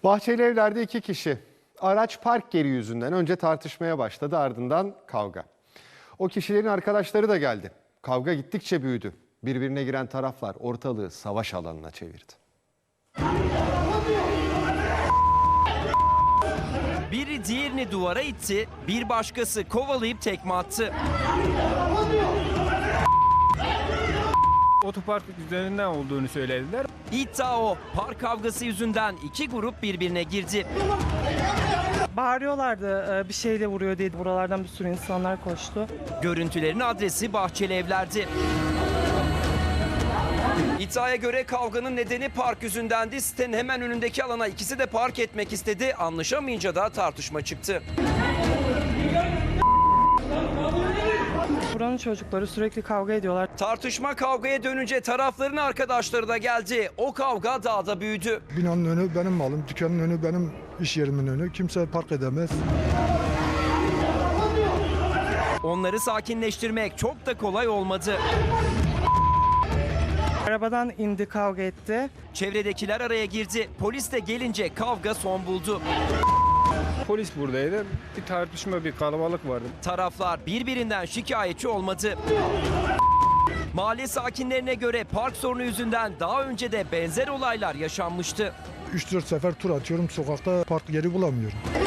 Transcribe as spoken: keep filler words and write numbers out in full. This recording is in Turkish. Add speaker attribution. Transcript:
Speaker 1: Bahçeli Evler'de iki kişi araç park yeri yüzünden önce tartışmaya başladı, ardından kavga. O kişilerin arkadaşları da geldi. Kavga gittikçe büyüdü. Birbirine giren taraflar ortalığı savaş alanına çevirdi.
Speaker 2: Biri diğerini duvara itti, bir başkası kovalayıp tekme attı.
Speaker 3: Otopark üzerinden olduğunu söylediler.
Speaker 2: İddia o, park kavgası yüzünden iki grup birbirine girdi.
Speaker 4: Bağırıyorlardı bir şeyle vuruyor diye, buralardan bir sürü insanlar koştu.
Speaker 2: Görüntülerin adresi Bahçeli Evler'di. İddiaya göre kavganın nedeni park yüzündendi. Sitenin hemen önündeki alana ikisi de park etmek istedi. Anlaşamayınca da tartışma çıktı.
Speaker 4: Buranın çocukları sürekli kavga ediyorlar.
Speaker 2: Tartışma kavgaya dönünce tarafların arkadaşları da geldi. O kavga daha da büyüdü.
Speaker 5: Binanın önü benim malım, dükkanın önü benim iş yerimin önü. Kimse park edemez.
Speaker 2: Onları sakinleştirmek çok da kolay olmadı.
Speaker 4: Arabadan indi, kavga etti.
Speaker 2: Çevredekiler araya girdi. Polis de gelince kavga son buldu.
Speaker 3: Polis buradaydı. Bir tartışma, bir kalabalık vardı.
Speaker 2: Taraflar birbirinden şikayetçi olmadı. Mahalle sakinlerine göre park sorunu yüzünden daha önce de benzer olaylar yaşanmıştı.
Speaker 5: üç dört sefer tur atıyorum, sokakta park yeri bulamıyorum.